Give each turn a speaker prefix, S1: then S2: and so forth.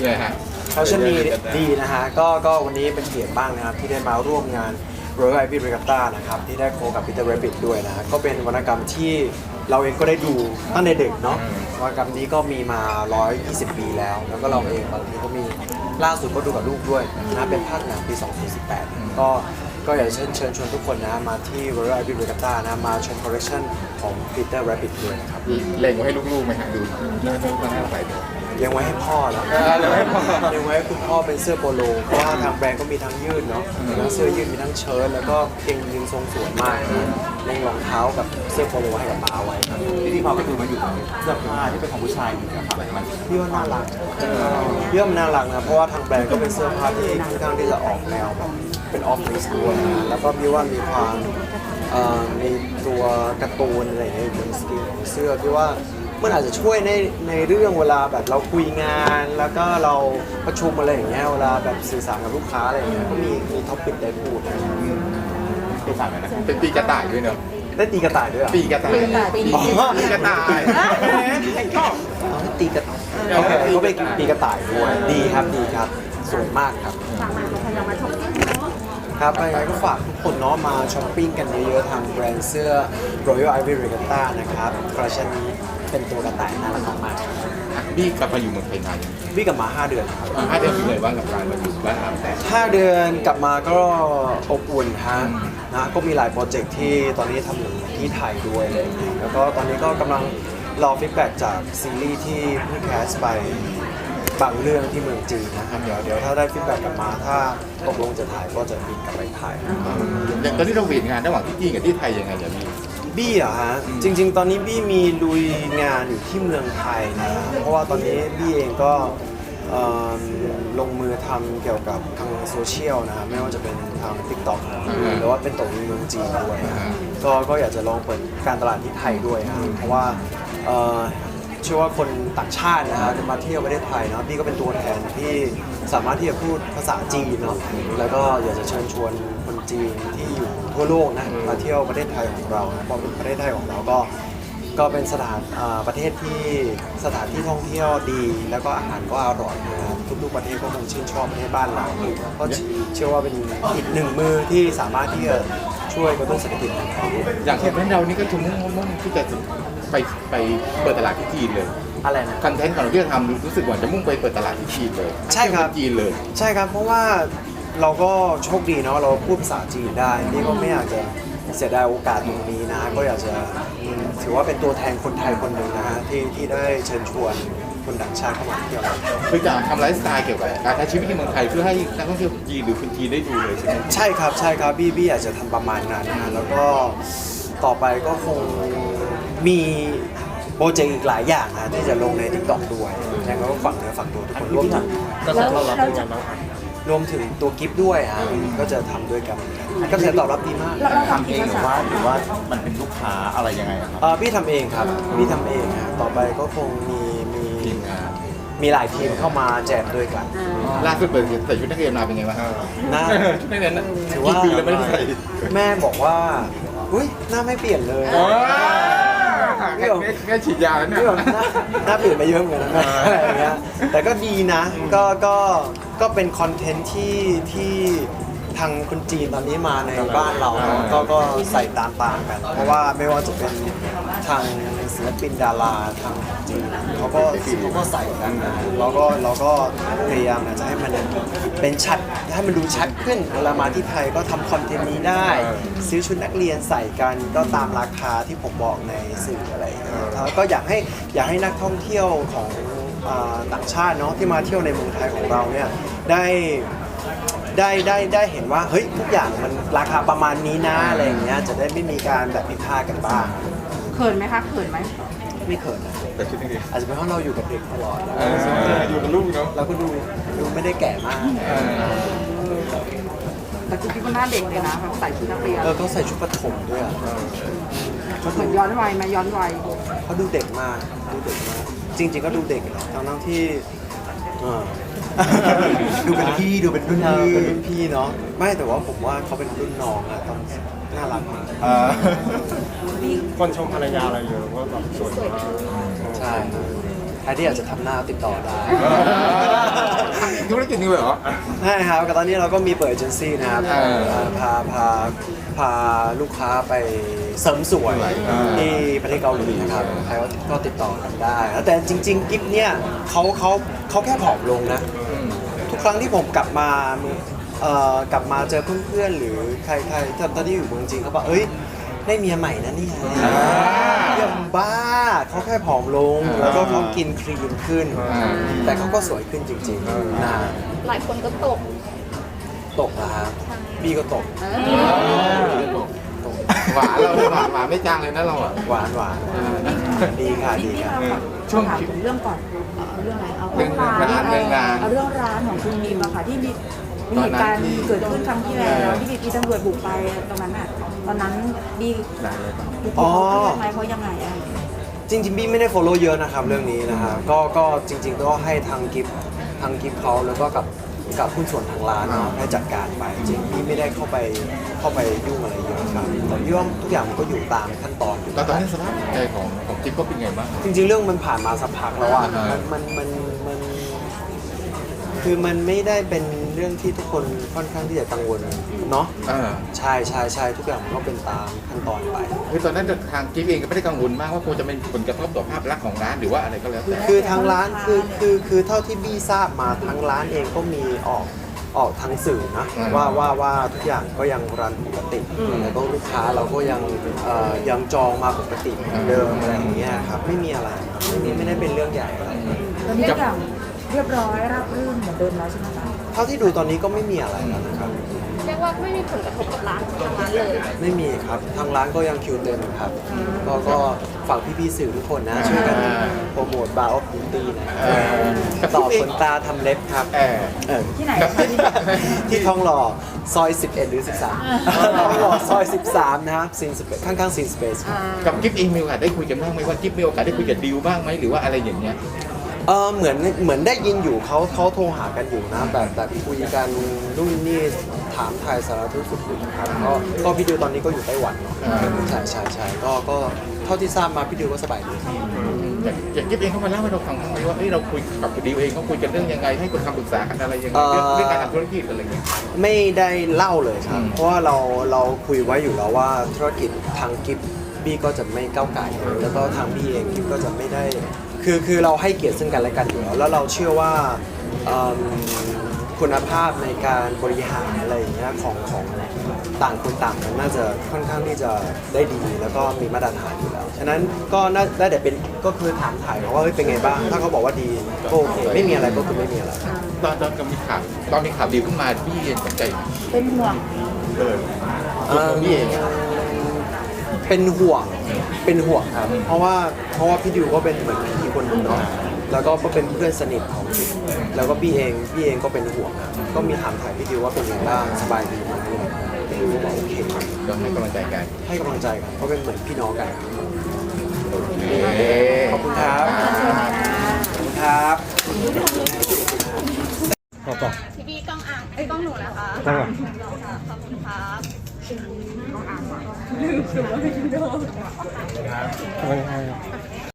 S1: เลยฮะ
S2: เขาเช่นนี้ดีนะฮะก็วันนี้เป็นเกียรติบ้างนะครับที่ได้มาร่วมงาน Royal Ivy Regatta นะครับที่ได้โคกับ Peter Rabbit ด้วยนะฮะก็เป็นวรรณกรรมที่เราเองก็ได้ดูตั้งแต่เด็กเนาะวรรณกรรมนี้ก็มีมา 120 ปีแล้วก็เราเองบางทีก็มีล่าสุดก็ดูกับลูกด้วยนะเป็นภาคหนังปี 2018 ก็อยากเชิญชวนทุกคนนะมาที่ Royal Ivy Regatta นะมาชมคอลเลคชันของ Peter Rabbit ด้วยนะครับ
S1: เล็งไว้ให้ลูกๆไหมฮะดูเนื้อมันน่าใส่ด้วย
S2: เลี้ยงไว้ให้พ่อแล้วเลี้ยงไว้ให้คุณพ่อเป็นเสื้อโปโลเพราะว่าทางแบรนด์ก็มีทั้งยืดเนาะมีทั้งเสื้อยืดมีทั้งเชิ้ตแล้วก็เกงยีนทรงสวยมากเล่งรองเท้ากับเสื้อโปโลให้กับป้าไว้ครับ
S3: ที่พอไปดูมาอยู่เสื้อผ้าที่เป็นของผู้ชายอยู่นะครับมัน
S2: พี่ว่าน่ารักพี่ว่ามันน่ารักนะเพราะว่าทางแบรนด์ก็เป็นเสื้อผ้าที่ค่อนข้างที่จะออกแนวแบบเป็นออฟฟิศด้วยนะแล้วก็พี่ว่ามีความมีตัวการ์ตูนอะไรอย่างเงี้ยบนสกรีนของเสื้อพี่ว่ามันอาจจะช่วยในเรื่องเวลาแบบเราคุยงานแล้วก็เราประชุมอะไรอย่างเงี้ยเวลาแบบสื่อสารกับลูกค้าอะไรอย่างเงี้ยก็มีท็อปปิกได้พูดนะ
S3: เป็นสั่งเลยนะ
S1: เป็นปีกระต่ายด้วยเนอะ
S2: ได้ตีกระต่ายด้วยเหรอ
S1: ปีกระต่ายปีกระต่ายชอบ
S2: ได้ตีกระต่ายโอเคก็ไปตีกระต่ายด้วยดีครับดีครับสวยมากครับครับยังไงก็ฝากทุกคนเนาะมาช้อปปิ้งกันเยอะๆทางแบรนด์เสื้อ Royal Ivy Regatta นะครับคอลเลคชันนี้เป็นตัวกระต่ายน่ารักมาก
S1: บี้กลับมาอยู่เมืองไทยนานยัง
S2: ๆวิ่งกลับมา5 เดือนครับ
S1: 5 เดือนเป็นไงบ้างกับการมาอยู่บ้านเราแต่
S2: 5 เดือนกลับมาก็อบอุ่นฮะนะก็มีหลายโปรเจกต์ที่ตอนนี้ทำอยู่ที่ไทยด้วยอะไรอย่างเงี้ยแล้วก็ตอนนี้ก็กำลังรอฟีดแบ็กจากซีรีส์ที่เพิ่งแคสไปบางเรื่องที่เมืองจีนนะครับเดี๋ยวถ้าได้ฟีดแบ็กกลับมาถ้าตกลงจะถ่ายก็จะบินกลับไปถ่าย
S1: อย่างตอนนี้เราเวียนงานระหว่างที่จีนกับที่ไทยยังไงอย่างนี้
S2: บี้เหรอฮะจริงๆ ตอนนี้บี้มีลุยงานอยู่ที่เมืองไทยนะเพราะว่าตอนนี้บี้เองก็ลงมือทำเกี่ยวกับทางโซเชียลนะไม่ว่าจะเป็นทาง TikTok หรือว่าเป็นตัวเมืองจีนด้วยนะก็อยากจะลองเปิดการตลาดที่ไทยด้วยนะเพราะว่าเชื่อว่าคนต่างชาตินะฮะจะมาเที่ยวประเทศไทยเนาะพี่ก็เป็นตัวแทนที่สามารถที่จะพูดภาษาจีนเนาะแล้วก็อยากจะเชิญชวนคนจีนที่อยู่ทั่วโลกนะมาเที่ยวประเทศไทยของเรานะเพราะประเทศไทยของเราก็เป็นประเทศที่สถานที่ท่องเที่ยวดีแล้วก็อาหารก็อร่อยนะครับทุกๆประเทศก็คงชื่นชอบประเทศบ้านเราก็เชื่อว่าเป็นอีกหนึ่งมือที่สามารถที่จะช่วยกระตุ้นเศรษฐกิจของเขา
S1: อย่างคอนเทนต์เรานี่ก็จะมุ่งที่จะไปเปิดตลาดที่จีนเลย
S2: อะไรนะ
S1: คอนเทนต์ของเราที่จะทำรู้สึกว่าจะมุ่งไปเปิดตลาดที่จีนเลย
S2: ใช่ครับ
S1: จีนเลย
S2: ใช่ครับเพราะว่าเราก็โชคดีเนาะเราพูดภาษาจีนได้นี่ก็ไม่อยากจะเสียดายโอกาสตรงนี้นะก็อยากจะถือว่าเป็นตัวแทนคนไทยคนหนึ่งนะฮะที่ได้เชิญชวนคนต่างชาติเข้ามาเที่ยวเรา
S1: คือจะทำไลฟ์สไตล์เกี่ยวกับการใช้ชีวิตที่เมืองไทยเพื่อให้นักท่องเที่ยวจีนหรือคนจีนได้ดูเลยใช่ไหม
S2: ใช่ครับบี้อยากจะทำประมาณนั้นนะแล้วก็ต่อไปก็คงมีโปรเจกต์อีกหลายอย่างนะที่จะลงใน TikTok ด้วยแล้วก็ฝากเนื้อฝากตัวทุกคนร่วมถึง
S3: กระแสตอบรับเป็นยังไงบ้างครับ
S2: รวมถึงตัวกิฟต์ด้วยฮะก็จะทำด้วยกันก็จะตอบรับดีมาก
S3: ทำเองหรือว่ามันเป็นลูกค้าอะไรยังไงครับ
S2: พี่ทำเองครับพี่ทำเองฮะต่อไปก็คงมีหลายทีมเข้ามาแจมด้วยกัน
S1: ล่าสุดเปิดใส่ชุดนักเรียนมาเป็นไงบ้าง
S2: หน้า
S1: ชุดนักเรียน
S2: ถือว่า
S1: กี่ปีแล้วไม่ได้ใส่
S2: แม่บอกว่าอุ้ยหน้าไม่เปลี่ยนเลย
S1: แค่ฉีดยาแล้วเนี่ย
S2: นี่แบบหน้าเปลี่ยนไปเยอะเหมือนกันนะอะไรอย่างเงี้ยแต่ก็ดีนะก็เป็นคอนเทนต์ที่ทางคนจีนตอนนี้มาในบ้านเราเนอะก็ใส่ตามกัน เพราะว่าไม่ว่าจะเป็นทางศิลปินดาราทางจีนเขาก็ใส่กันนะเราก็พยายามจะให้มันเป็นชัดให้มันดูชัดขึ้นเวลามาที่ไทยก็ทำคอนเทนต์นี้ได้ซื้อชุดนักเรียนใส่กันก็ตามราคาที่ผมบอกในสื่ออะไรอย่างเงี้ยแล้วก็อยากให้นักท่องเที่ยวของต่างชาติเนาะที่มาเที่ยวในเมืองไทยของเราเนี่ยได้เห็นว่าเฮ้ยทุกอย่างมันราคาประมาณนี้นะอะไรอย่างเงี้ยจะได้ไม่มีการแบบผิดพลาดกันบ้าง
S4: เขินไหมคะเขินไหม
S2: ไม่เขินนะ
S1: แต่ชุดนักเรียน
S2: อาจจะเป็นเพราะเราอยู่กับเด็กตลอดแล้ว
S1: อยู่กับลูกเนาะ
S2: เราก็ดูไม่ได้แก่มาก
S4: แต่คุณคิดว่าหน้าเด็กเลยนะใส่ชุดนักเรียน
S2: เขาใส่ชุดประถมด้วยอะ
S4: เหมือนย้อนวัยไหมย้อนวัย
S2: เขาดูเด็กมากจริงๆก็ดูเด็กแหละทั้งที่
S3: ดูเป็นพี่ดูเป็นรุ่นพี่
S2: เป็นรุ่นพี่เนาะไม่แต่ว่าผมว่าเขาเป็นรุ่นน้องอะต้องน่ารักมาก
S3: คนชมภรรยาอะไรเยอะว่าแบบสวยมาก
S2: ใช่ครับใครที่อยากจะทำหน้าติดต่อได้
S1: ธุรกิจนี้เลยเหรอ
S2: ใช่ครับแต่ตอนนี้เราก็มีเปิดเอเจนซี่นะครับ พาลูกค้าไปเสริมสวยที่ประเทศเกาหลีนะครับใครก็ติดต่อกันได้แล้วแต่จริงๆกิฟเนี่ยเขาแค่ผอมลงนะ ทุกครั้งที่ผมกลับมาเจอเพื่อนๆหรือใครตอนที่อยู่เมืองจีนเขาบอกเอ้ยได้เมียใหม่นะเนี่ยยังบ้าเขาแค่ผอมลงแล้วก็เขากินคลีนขึ้น แต่เขาก็สวยขึ้นจริงๆนะ
S5: หลายคนก็ตก
S2: ตกนะฮะบี้ก็ตก
S1: หวานเราหวานไม่จางเลยนะเราอ่ะ
S2: หวานดีค่ะดี
S4: พี่
S2: ค่ะ
S4: เราช่วงถามถึงเรื่องก่อนเอาเรื่องอะไรเอา
S1: เรื่องร้าน
S4: เอาเรื่องร้านของคุณบีมอะค่ะที่มีเหตุการณ์เกิดขึ้นครั้งที่แล้วที่มีตำรวจบุกไปตรงนั้นอะตอนนั้นบีเขาทำไมเขายังไงอะ
S2: จริงๆบี้ไม่ได้ follow เยอะนะครับเรื่องนี้นะฮะก็จริงๆก็ให้ทางกิฟเขาแล้วก็กับหุ้นส่วนทางร้านเนาะให้จัดการไปจริงบี้ไม่ได้เข้าไปยุ่งอะไรเยอะครับแต่ย่อมทุกอย่างมันก็อยู่ตามขั้นตอนอยู่
S1: ตอนนี้สภาพจิตใจของจิ๊บก็เป็นไงบ้าง
S2: จริงๆเรื่องมันผ่านมาสักพักแล้วอ่ะ
S1: อ่า
S2: มันคือมันไม่ได้เป็นเรื่องที่ทุกคนค่อนข้างที่จะกังวลเนาะใช่ทุกอย่างมันก็เป็นตามขั้นตอนไป
S1: คือตอนนั้นทางจิ๊บเองก็ไม่ได้กังวลมากว่าคงจะเป็นผลกระทบต่อภาพลักษณ์ของร้านหรือว่าอะไรก็แล้วแต่
S2: คือทางร้านคือเท่าที่บี้ทราบมาทางร้านเองก็มีออกทางสื่อนะว่าทุกอย่างก็ยังรันปกติแล้วก็ลูกค้าเราก็ยังจองมาปกติเหมือนเดิมอะไรอย่างเงี้ยครับไม่มีอะไรครับไม่ได้เป็นเรื่องใหญ่อะไร
S4: ตอนนี้ทุกอย่างเรียบร้อยราบรื่นเหมือนเดิมแล้วใช่ไหมคะ
S2: เท่าที่ดูตอนนี้ก็ไม่มีอะไรแล้วนะครับ
S5: เรียกว่าไม่มีผลกระทบกับร้านทางร้านเลย
S2: ไม่มีครับทางร้านก็ยังคิวเต็มครับก็ฝากพี่ๆสื่อทุกคนนะช่วยกันโปรโมทบาร์ออฟบิวตี้นะครับต่อขนตาทำเล็บครับ
S4: ที่ไหนคะที่
S2: ที่ทองหล่อซอย 11 หรือ 13 ทองหล่อซอย 13 นะครับซีนสเปซข้างๆซีนสเปซ
S1: กับจิ๊บเองมีโอกาสได้คุยกันบ้างไหมว่าจิ๊บมีโอกาสได้คุยกับดิวบ้างไหมหรือว่าอะไรอย่างเงี้ย
S2: เหมือนได้ยินอยู่เขาโทรหากันอยู่นะแบบคุยกันนู่นนี่ถามไทยสารทุกข์สุขดิบครับก็พี่ดิวตอนนี้ก็อยู่ไต้หวันเนาะใช่ก็เท่าที่ทราบมาพี่ดิวก็สบายดี
S1: อย่างจิ๊บเองเขามาเล่าให้เราฟังบ้างไหมว่าเราคุยกับดิวเองเขาคุยกันเรื่องยังไงให้คนคำปรึกษากันอะไรยังไงเรื่องการทำธุรกิจอะไรเงี้ย
S2: ไม่ได้เล่าเลยครับเพราะว่าเราคุยไว้อยู่แล้วว่าธุรกิจทางกิฟบี้ก็จะไม่ก้าวไก่แล้วก็ทางบี้เองกิฟก็จะไม่ได้คือเราให้เกียรติซึ่งกันและกันอยู่แล้วเราเชื่อว่าคุณภาพในการบริหารอะไรอย่างเงี้ยของต่างคนต่างมันน่าจะค่อนข้างที่จะได้ดีแล้วก็มีมาตรฐานอยู่แล้วฉะนั้นก็น่าได้แต่เป็นก็คือถามถ่ายเขาว่าเฮ้ยเป็นไงบ้างถ้าเขาบอกว่าดีก็โอเคไม่มีอะไรก็คือไม่มีอะไร
S1: ตอนมีข่าวดิวขึ้นมาพี่เองสนใจไหม
S4: เป็นห่วง
S1: ตัวของพี่เอง
S2: เป็นห่วงครับเพราะว่าพี่ดิวก็เป็นเหมือนพี่คนหนึงเนาะแล้วก็เป็นเพื่อนสนิทของพี่แล้วก็พี่เองก็เป็นห่วงครับก็มีถามถ่ายพี่ดิวว่าเป็นยังไงบ้างสบายดีไหมพี่ดิวก็บอกโอเค
S1: ก็ให้กำลังใจกัน
S2: ให้กำลังใจกันเพราะเป็นเหมือนพี่น้องกัน
S1: เอ๊ะ
S2: ขอบคุณครับขอบคุณครับ
S5: พี่บีกล้องอ่างไอ้ยกล้องหนูนะคะ ขอบคุณครับ
S6: ขอบคุณครับ